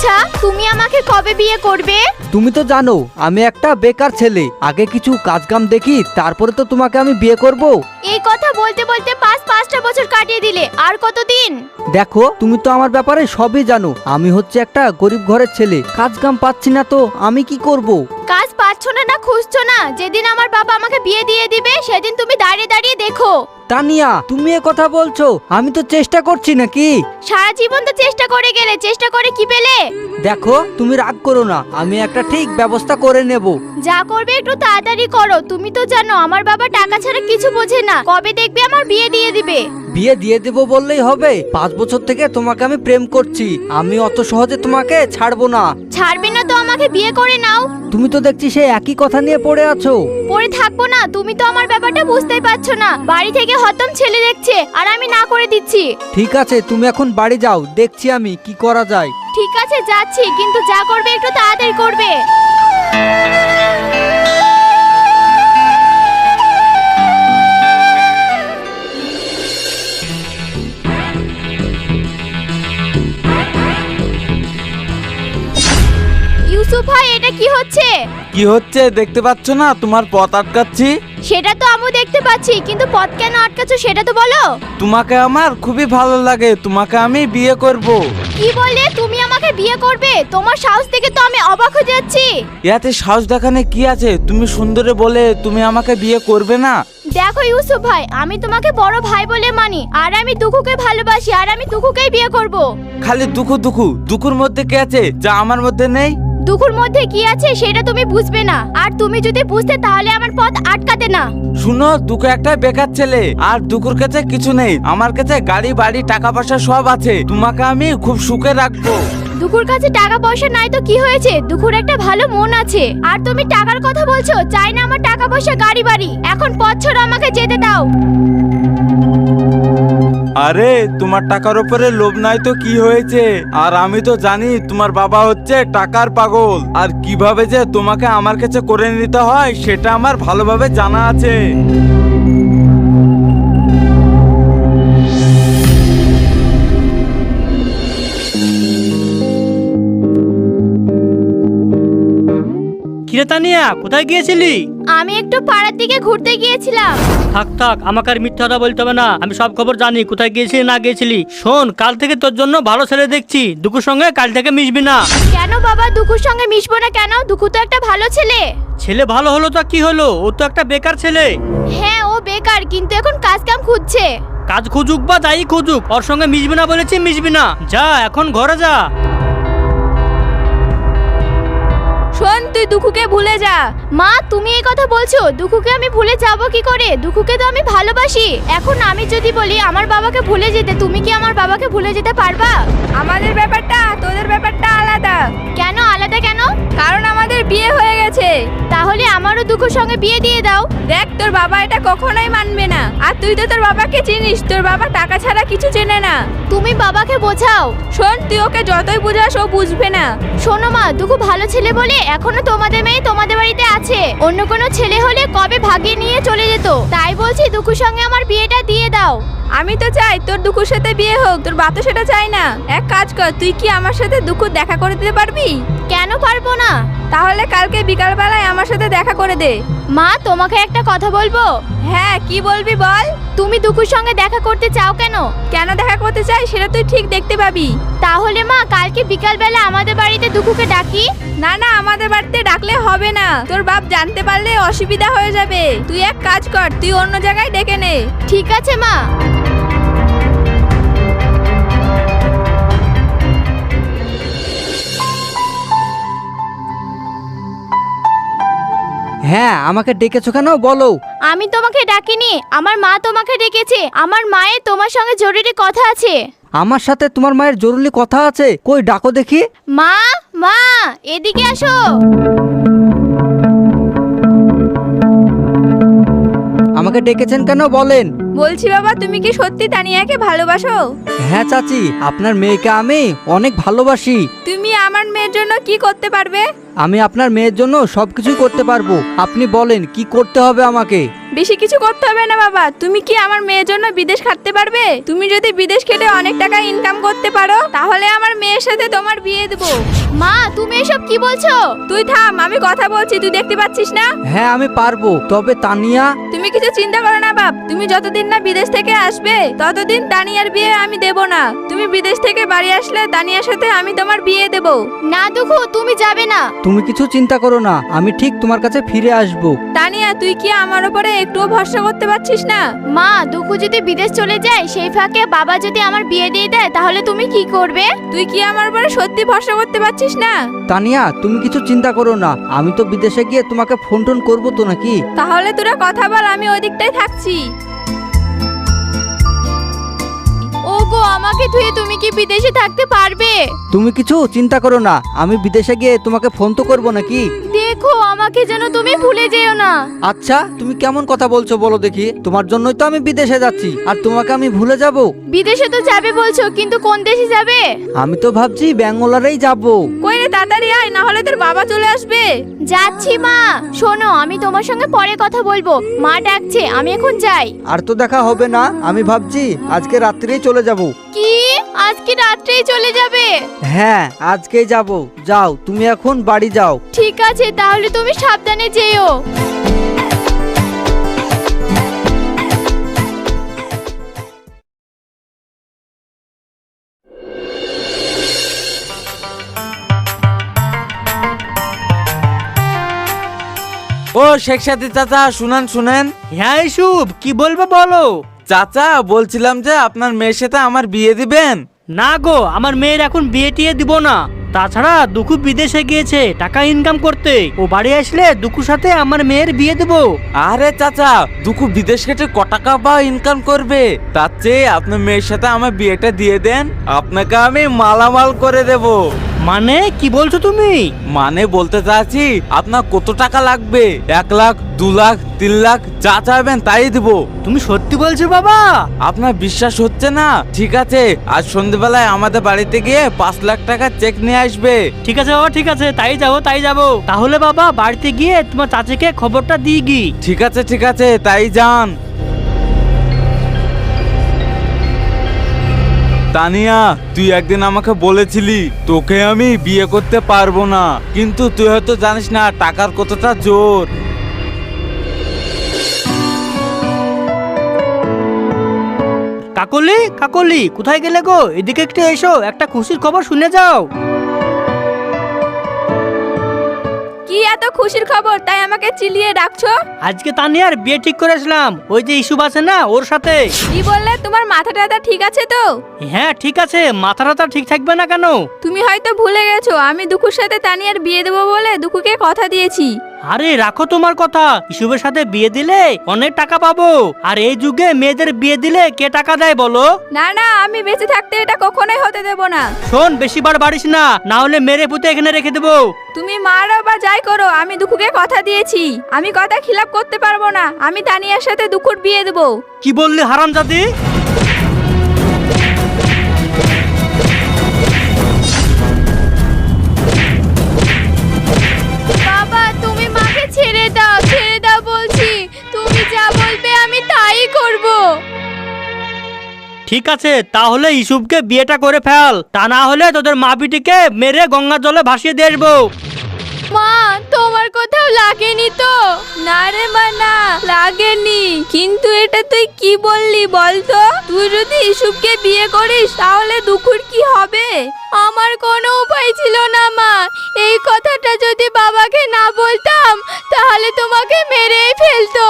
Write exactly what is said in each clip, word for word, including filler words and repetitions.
আচ্ছা তুমি আমাকে কবে বিয়ে করবে? তুমি তো জানো আমি একটা বেকার ছেলে, আগে কিছু কাজ কাম দেখি তারপরে তো তোমাকে আমি বিয়ে করব। এই কথা বলতে বলতে পাঁচ পাঁচটা বছর কাটিয়ে দিলে, আর কতদিন? দেখো তুমি তো আমার ব্যাপারে সবই জানো, আমি হচ্ছে একটা গরিব ঘরের ছেলে, কাজ কাম পাচ্ছি না তো আমি কি করব? কাজ পাচ্ছ না না খুঁজছো না, যেদিন আমার বাবা আমাকে বিয়ে দিয়ে দিবে সেদিন তুমি দাঁড়িয়ে দাঁড়িয়ে দেখো। তানিয়া তুমি এ কথা বলছো? আমি তো চেষ্টা করছি নাকি? সারা জীবন তো চেষ্টা করে গেলে, চেষ্টা করে কি পেলে? দেখো তুমি রাগ করো না, আমি একটা ঠিক ব্যবস্থা করে নেব। যা করবে একটু তাড়াতাড়ি করো, তুমি তো জানো আমার বাবা টাকা ছাড়া কিছু বোঝে না, কবে দেখবে আমার বিয়ে দিয়ে দিবে। বিয়ে দিয়ে দেব বললেই হবে? পাঁচ বছর থেকে তোমাকে আমি প্রেম করছি, আমি অত সহজে তোমাকে ছাড়বো না। ছাড়বে না তো আমাকে বিয়ে করে নাও। তুমি তো দেখছি সেই একই কথা নিয়ে পড়ে আছো। পরে থাকবো না, তুমি তো আমার ব্যাপারটা বুঝতেই পারছো না, বাড়ি থেকে হতম ছেলে দেখছে আর আমি না করে দিচ্ছি। ঠিক আছে তুমি এখন বাড়ি যাও, দেখছি আমি কি করা যায়। ঠিক আছে যাচ্ছি, কিন্তু যা করবে একটু তাড়াতাড়ি করবে। ইউসুফ ভাই এটা কি হচ্ছে? কি হচ্ছে দেখতে পাচ্ছ না? তোমার পথ আটকাচ্ছি। সেটা তো আমি দেখতে পাচ্ছি, কিন্তু পথ কেন আটকাচ্ছ সেটা তো বলো। তোমাকে আমার খুবই ভালো লাগে, তোমাকে আমি বিয়ে করব। কি বললে? তুমি আমাকে বিয়ে করবে? তোমার সাহস দেখে তো আমি অবাক হয়ে যাচ্ছি। ইয়াতে সাহস দেখানে কি আছে? তুমি সুন্দরে বলে তুমি আমাকে বিয়ে করবে না? দেখো ইউসুফ ভাই, আমি তোমাকে বড় ভাই বলে মানি, আর আমি দুখুকে ভালোবাসি, আর আমি দুখুকেই বিয়ে করব। খালি দুঃখু দুঃখু দুঃখুর মধ্যে কি আছে যা আমার মধ্যে নেই? দুখুর মধ্যে কি আছে সেটা তুমি বুঝবে না, আর তুমি যদি বুঝতে তাহলে আমার পথ আটকাতে না। শুনো, দুঃখ একটা বেকার ছেলে, আর দুঃখুর কাছে কিছু নেই। আমার কাছে গাড়ি বাড়ি টাকা পয়সা সব আছে, তোমাকে আমি খুব সুখে রাখবো। দুখুর কাছে টাকা পয়সা নাই তো কি হয়েছে? দুখুর একটা ভালো মন আছে, আর তুমি টাকার কথা বলছো। চাই না আমার টাকা পয়সা গাড়ি বাড়ি, এখন পথ ছাড়ো, আমাকে যেতে দাও। আরে তোমার টাকার উপরে লোভ নাই তো কি হয়েছে? আর আমি তো জানি তোমার বাবা হচ্ছে টাকার পাগল, আর কিভাবে যে তোমাকে আমার কাছে করে নিতে হয় সেটা আমার ভালোভাবে জানা আছে। কিরে তানিয়া, কোথায় গিয়েছিলি? আমি একটু পাড়ার দিকে ঘুরতে গিয়েছিলাম। থাক থাক, আমাকে আর মিথ্যা কথা বলতে হবে না, আমি সব খবর জানি কোথায় গিয়েছিলি না গিয়েছিলি। শোন, কাল থেকে তোর জন্য ভালো ছেলে দেখছি, দুকুর সঙ্গে কাল থেকে মিশবি না। কেন বাবা, দুখুর সঙ্গে মিশবো না কেন? দুখু তো একটা ভালো ছেলে। ছেলে ভালো হলো তো কি হলো, ও তো একটা বেকার ছেলে। হ্যাঁ ও বেকার, কিন্তু এখন কাজ কাম খুঁজছে। কাজ খুঁজুক বা যাই খুঁজুক, ওর সঙ্গে মিশবি না বলেছি, মিশবি না। যা এখন ঘরে যা। শোন, তুই দুখুকে ভুলে যা। মা তুমি এই কথা বলছো? দুখুকে আমি ভুলে যাব কি করে? দুখুকে তো আমি ভালোবাসি। এখন আমি যদি বলি আমার বাবাকে ভুলে যেতে, তুমি কি আমার বাবাকে ভুলে যেতে পারবা? আমাদের ব্যাপারটা তোদের ব্যাপারটা আলাদা। কেন আলাদা কেন? কারণ আমাদের বিয়ে হয়ে গেছে। তাহলে আমারও দুখুর সঙ্গে বিয়ে দিয়ে দাও। দেখ, তোর বাবা এটা কখনোই মানবে না, আর তুই তো তোর বাবাকে চিনিস, তোর বাবা টাকা ছাড়া কিছু চেনে না। তুমি বাবাকে বোঝাও। শোন, তুই ওকে যতই বোঝাস ও বুঝবে না। শোনো মা, দুখু ভালো ছেলে বলে এখনো তোমাদের মেয়ে তোমাদের বাড়িতে আছে, অন্য কোনো ছেলে হলে কবে ভাগিয়ে নিয়ে চলে যেত। তাই বলছি দুখুর সঙ্গে আমার বিয়েটা দিয়ে দাও। আমি তো চাই তোর দুখুর সাথে বিয়ে হোক, তোর বাপ তো সেটা চাই না। এক কাজ কর, তুই কি আমার সাথে দুখুর দেখা করে দিতে পারবি? কেন পারবো না? তাহলে কালকে বিকাল বেলায় আমার সাথে দেখা করে দে। মা তোমাকে একটা কথা বলবো। হ্যাঁ কি বলবি বল। তুমি দুখুর সঙ্গে দেখা করতে চাও কেন? কেন দেখা করতে চাই সেটা তুই ঠিক দেখতে পাবি। তাহলে মা কালকে বিকাল বেলা আমাদের বাড়িতে দুখুকে ডাকি। না না, আমাদের বাড়িতে ডাকলে হবে না, তোর বাপ জানতে পারলে অসুবিধা হয়ে যাবে। তুই এক কাজ কর, তুই অন্য জায়গায় ডেকে নে। ঠিক আছে মা। হ্যাঁ আমাকে ডেকেছো কেন বলো? আমি তোমাকে ডাকিনি, আমার মা তোমাকে ডেকেছে। আমার মায়ের তোমার সঙ্গে জরুরি কথা আছে। আমার সাথে তোমার মায়ের জরুরি কথা আছে? কই ডাকো দেখি। মা মা এদিকে আসো। আমাকে ডেকেছেন কেন বলেন? বলছি বাবা, তুমি কি সত্যি তানিয়াকে ভালোবাসো? হ্যাঁ চাচি, আপনার মেয়েকে আমি অনেক ভালোবাসি। তুমি আমার মেয়ের জন্য কি করতে পারবে? আমি আপনার মেয়ের জন্য সবকিছুই করতে পারবো। আপনি বলেন কি করতে হবে আমাকে? বেশি কিছু করতে হবে না বাবা, তুমি কি আমার মেয়ের জন্য বিদেশ খাটতে পারবে? তুমি যদি বিদেশ খেটে অনেক টাকা ইনকাম করতে পারো তাহলে আমার মেয়ের সাথে তোমার বিয়ে দেবো। মা তুমি এসব কি বলছো? তুই থাম, আমি কথা বলছি, তুই দেখতে পাচ্ছিস না? হ্যাঁ আমি পারবো, তবে তানিয়া। তুমি কিছু চিন্তা করো না বাপ, তুমি যতদিন না বিদেশ থেকে আসবে ততদিন তানিয়ার বিয়ে আমি দেব না। তুমি বিদেশ থেকে বাড়ি আসলে তানিয়ার সাথে আমি তোমার বিয়ে দেব। না দুঃখু, তুমি যাবে না। তুমি কিছু চিন্তা করো না, আমি ঠিক তোমার কাছে ফিরে আসবো। তানিয়া তুই কি আমার উপরে একটুও ভরসা করতে পারছিস না? মা দুঃখু যদি বিদেশ চলে যায় সেই ফাঁকে বাবা যদি আমার বিয়ে দিয়ে দেয় তাহলে তুমি কি করবে? তুই কি আমার উপরে সত্যি ভরসা করতে পারছিস না? তানিয়া তুমি কিছু চিন্তা করো না, আমি তো বিদেশে গিয়ে তোমাকে ফোন টোন করবো তো নাকি? তাহলে তোরা কথা বল, আমি ওই দিকটাই থাকছি। ওগো আমাকে ধুয়ে তুমি কি বিদেশে থাকতে পারবে? তুমি কিছু চিন্তা করো না, আমি বিদেশে গিয়ে তোমাকে ফোন তো করবো নাকি? দেখো আমাকে যেন তুমি ভুলে যেও না। আচ্ছা তুমি কেমন কথা বলছো বলো দেখি? তোমার জন্যই তো আমি বিদেশে যাচ্ছি, আর তোমাকে আমি ভুলে যাব? বিদেশে তো যাবে বলছো, কিন্তু কোন দেশে যাবে? আমি তো ভাবছি ব্যাঙ্গালোরেই যাব। কই রে তাড়াতাড়ি আয়, না হলে তোর বাবা চলে আসবে। যাচ্ছি মা। শোনো আমি তোমার সঙ্গে পরে কথা বলবো, মা ডাকছে, আমি এখন যাই। আর তো দেখা হবে না, আমি ভাবছি আজকে রাত্রেই চলে যাব। কি আজকে রাত্রেই চলে যাবে? হ্যাঁ আজকেই যাব। যাও তুমি এখন বাড়ি যাও। ঠিক আছে তাহলে তুমি সাবধানে যেও। ও শেখ সাথী চাচা, শুনেন শুনেন। হ্যাঁ ইসুব, কি বলবো বলো। চাচা বলছিলাম যে আপনার মেয়ের সাথে আমার বিয়ে দিবেন। না গো, আমার মেয়ের এখন বিয়ে টিয়ে দিব না। তাছাড়া দুঃখু বিদেশে গিয়েছে টাকা ইনকাম করতে, ও বাড়ি আসলে দুঃখুর সাথে আমার মেয়ের বিয়ে দেবো। আরে চাচা, দুঃখু বিদেশ কেটে ক টাকা বা ইনকাম করবে, তার চেয়ে আপনার মেয়ের সাথে আমার বিয়েটা দিয়ে দেন, আপনাকে আমি মালামাল করে দেব। মানে কি বলছো তুমি? মানে বলতে চাচ্ছি আপনার কত টাকা লাগবে, এক লাখ দু লাখ তিন লাখ যা চাইবেন তাই দিব। তুমি সত্যি বলছো বাবা? আপনার বিশ্বাস হচ্ছে না? ঠিক আছে, আজ সন্ধ্যেবেলায় আমাদের বাড়িতে গিয়ে পাঁচ লাখ টাকা চেক নিয়ে আসবে। ঠিক আছে বাবা, ঠিক আছে, তাই যাবো তাই যাবো। তাহলে বাবা বাড়িতে গিয়ে তোমার চাচিকে খবরটা দিয়ে গি। ঠিক আছে ঠিক আছে, তাই যান। তানিয়া, তুই একদিন আমাকে বলেছিলি তোকে আমি বিয়ে করতে পারবো না, কিন্তু তুই হয়তো জানিস না টাকার কতটা জোর। কাকলি কাকলি কোথায় গেলে গো? এদিকে একটু এসো, একটা খুশির খবর শুনে যাও। কি এত খুশির খবর, তাই আমাকে চিলিয়ে ডাকছো? আজকে তানিয়ার বিয়ে ঠিক করেছিলাম, ওই যে ইস্যু আছে না ওর সাথে। কি বললে? তোমার মাথা টাথা ঠিক আছে তো? হ্যাঁ ঠিক আছে, মাথা টাথা ঠিক থাকবে না কেন? তুমি হয়তো ভুলে গেছো আমি দুঃখুর সাথে তানিয়ার বিয়ে দেবো বলে দুঃখুকে কথা দিয়েছি। আরে রাখো তোমার কথা, ইসুবের সাথে বিয়ে দিলে অনেক টাকা পাবো, আর এই যুগে মেয়েদের বিয়ে দিলে কে টাকা দেয় বলো? না না, আমি বেঁচে থাকতে এটা কখনোই হতে দেব না। শোন, বেশি বার বাড়িস না, না হলে মেরে পুঁতে এখানে রেখে দেবো। তুমি মারো বা যাই করো, আমি দুঃখুকে কথা দিয়েছি, আমি কথা খিলাপ করতে পারবো না। আমি তানিয়ার সাথে দুঃখুর বিয়ে দেবো। কি বললি হারামজাদি? বাবা তুমি মাকে ছেড়ে দাও, ছেড়ে দাও বলছি, তুমি যা বলবে আমি তাই করব। ঠিক আছে, তাহলে ইসুবকে বিয়েটা করে ফেল, তা না হলে তোদের মা বিটিকে মেরে গঙ্গা জলে ভাসিয়ে দিয়ে আসবো। মা তোমার কোথাও লাগেনি তো? না রে মা, না লাগেনি। কিন্তু এটা তুই কি বললি বলতো? তুই যদি ইসুবকে বিয়ে করিস তাহলে দুঃখুর কি হবে? আমার কোনো উপায় ছিল না মা, এই কথাটা যদি বাবাকে না বলতাম তাহলে তোমাকে মেরেই ফেলতো।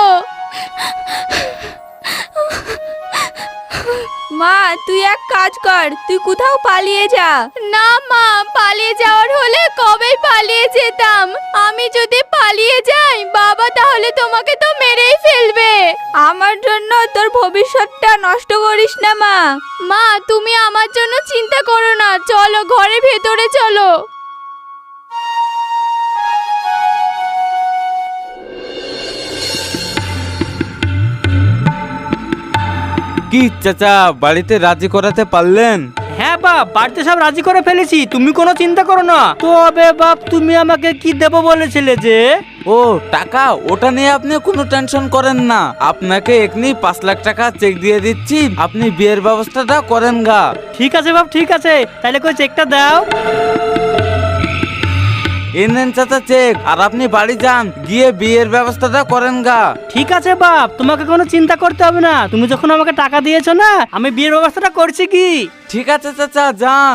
মা তুই এক কাজ কর, তুই কোথাও পালিয়ে যা। না মা, পালিয়ে যাওয়ার হলে কবেই পালিয়ে যেতাম। আমি যদি পালিয়ে যাই বাবা তাহলে তোমাকে তো মেরেই ফেলবে। আমার জন্য তোর ভবিষ্যৎটা নষ্ট করিস না মা। মা তুমি আমার জন্য চিন্তা করো না, চলো ঘরে ভেতরে চলো। কি চাচা, বাড়িতে রাজি করাতে পারলেন? হ্যাঁ বাপ, বাড়িতে সব রাজি করে ফেলেছি, তুমি কোনো চিন্তা করো না। তবে বাপ, তুমি আমাকে কি দেবো বলেছিলে যে? ও টাকা, ওটা নিয়ে আপনি কোনো টেনশন করেন না। আপনাকে এখনি পাঁচ লাখ টাকা চেক দিয়ে দিচ্ছি, আপনি বিয়ের ব্যবস্থাটা করেন গা। ঠিক আছে বাপ, ঠিক আছে, তাহলে কই চেকটা দাও। এ নেন চাচা চেক, আর আপনি বাড়ি যান, গিয়ে বিয়ের ব্যবস্থাটা করেন গা। ঠিক আছে বাপ, তোমাকে কোনো চিন্তা করতে হবে না, তুমি যখন আমাকে টাকা দিয়েছো না, আমি বিয়ের ব্যবস্থাটা করছি কি। ঠিক আছে চাচা, যান।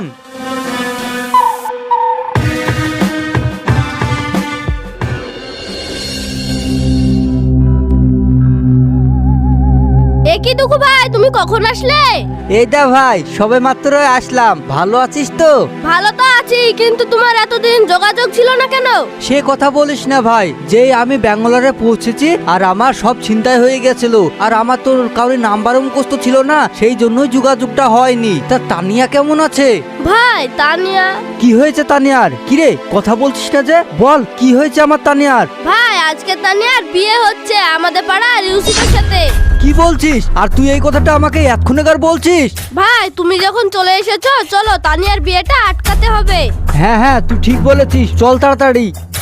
এ কি দুঃখু ভাই, তুমি কখন আসলে? এই দা ভাই, সবে মাত্র আসলাম। ভালো আছিস তো? ভালো তো আছি, কিন্তু তোমার এতদিন যোগাযোগ ছিল না কেন? সে কথা বলিস না ভাই, যেই আমি ব্যাঙ্গালোরে পৌঁছেছি আর আমার সব ছিনতাই হয়ে গেছিল, আর আমার তোর কারোর নাম্বারও মুখস্থ ছিল না, সেই জন্যই যোগাযোগটা হয়নি। তা তানিয়া কেমন আছে? ভাই তানিয়া? কি হয়েছে তানিয়ার? কিরে কথা বলছিস না যে? বল কি হয়েছে আমার তানিয়ার? ভাই আজকে তানিয়ার বিয়ে হচ্ছে আমাদের পাড়ার ইউসুফের সাথে। কি বলছিস? আর তুই এই কথাটা আমাকে এক্ষুনিকার বলছিস? ভাই তুমি যখন চলে এসেছো, চলো তানিয়ার বিয়েটা আটকাতে হবে। হ্যাঁ হ্যাঁ, তুই ঠিক বলেছিস, চল তাড়াতাড়ি।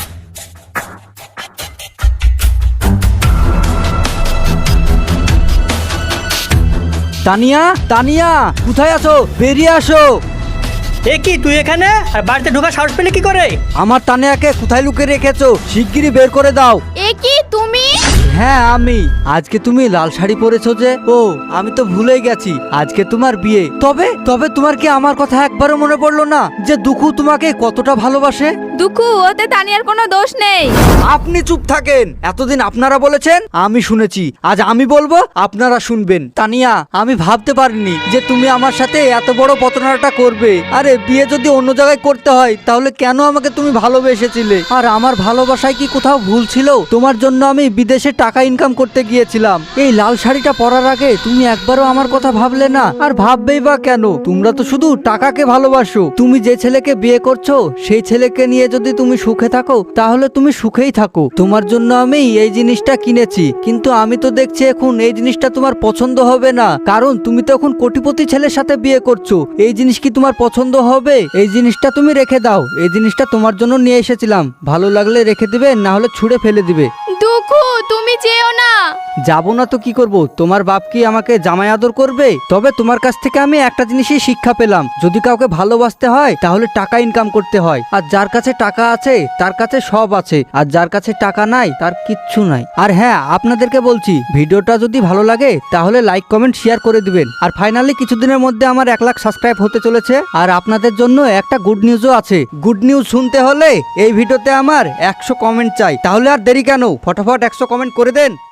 তানিয়া, তানিয়া কোথায় আছো? বেরিয়ে আসো। এ কি, তুই এখানে? আর বাড়িতে ঢোকার সাহস পেলে কি করে? আমার তানিয়াকে কোথায় লুকিয়ে রেখেছো? শিগগিরই বের করে দাও। এ কি তুমি? হ্যাঁ আমি। আজকে তুমি লাল শাড়ি পরেছো যে? ও আমি তো ভুলেই গেছি, আজকে তোমার বিয়ে। তবে তবে তোমার কি আমার কথা একবারও মনে পড়লো না যে দুঃখু তোমাকে কতটা ভালোবাসে? দুঃখু, ওতে তানিয়ার কোনো দোষ নেই। আপনি চুপ থাকেন। এতদিন আপনারা বলেছেন, আমি শুনেছি, আজ আমি বলবো, আপনারা শুনবেন। তানিয়া, আমি ভাবতে পারিনি যে তুমি আমার সাথে এত বড় প্রতারণাটা করবে। আরে বিয়ে যদি অন্য জায়গায় করতে হয়, তাহলে কেন আমাকে তুমি ভালোবেসেছিলে? আর আমার ভালোবাসায় কি কোথাও ভুল ছিল? তোমার জন্য আমি বিদেশে টাকা ইনকাম করতে গিয়েছিলাম। এই লাল শাড়িটা পরার আগে তুমি একবারও আমার কথা ভাবলে না। আর ভাববেই বা কেন? তোমরা তো শুধু টাকাকে ভালোবাসো। তুমি যে ছেলেকে বিয়ে করছো, সেই ছেলেকে নিয়ে যদি তুমি সুখে থাকো, তাহলে তুমি সুখেই থাকো। তোমার জন্য আমি এই জিনিসটা কিনেছি, কিন্তু আমি তো দেখছি এখন এই জিনিসটা তোমার পছন্দ হবে না, কারণ তুমি তো এখন কোটিপতি ছেলের সাথে বিয়ে করছো। এই জিনিস কি তোমার পছন্দ হবে? এই জিনিসটা তুমি রেখে দাও। এই জিনিসটা তোমার জন্য নিয়ে এসেছিলাম, ভালো লাগলে রেখে দিবে, না হলে ছুঁড়ে ফেলে দিবে। দুঃখু, তুমি যেও না। যাবো না তো কি করব? তোমার বাপ কি আমাকে জামাই আদর করবে? তবে তোমার কাছ থেকে আমি একটা জিনিসই শিক্ষা পেলাম, যদি কাউকে ভালোবাসতে হয় তাহলে টাকা ইনকাম করতে হয়। আর যার কাছে টাকা আছে তার কাছে সব আছে, আর যার কাছে টাকা নাই তার কিচ্ছু নাই। আর হ্যাঁ, আপনাদেরকে বলছি, ভিডিওটা যদি ভালো লাগে তাহলে লাইক কমেন্ট শেয়ার করে দিবেন। আর ফাইনালি কিছুদিনের মধ্যে আমার এক লাখ সাবস্ক্রাইব হতে চলেছে। আর আপনাদের জন্য একটা গুড নিউজও আছে। গুড নিউজ শুনতে হলে এই ভিডিওতে আমার একশো কমেন্ট চাই। তাহলে আর দেরি কেন, ফটাফট একশো কমেন্ট করে দেন।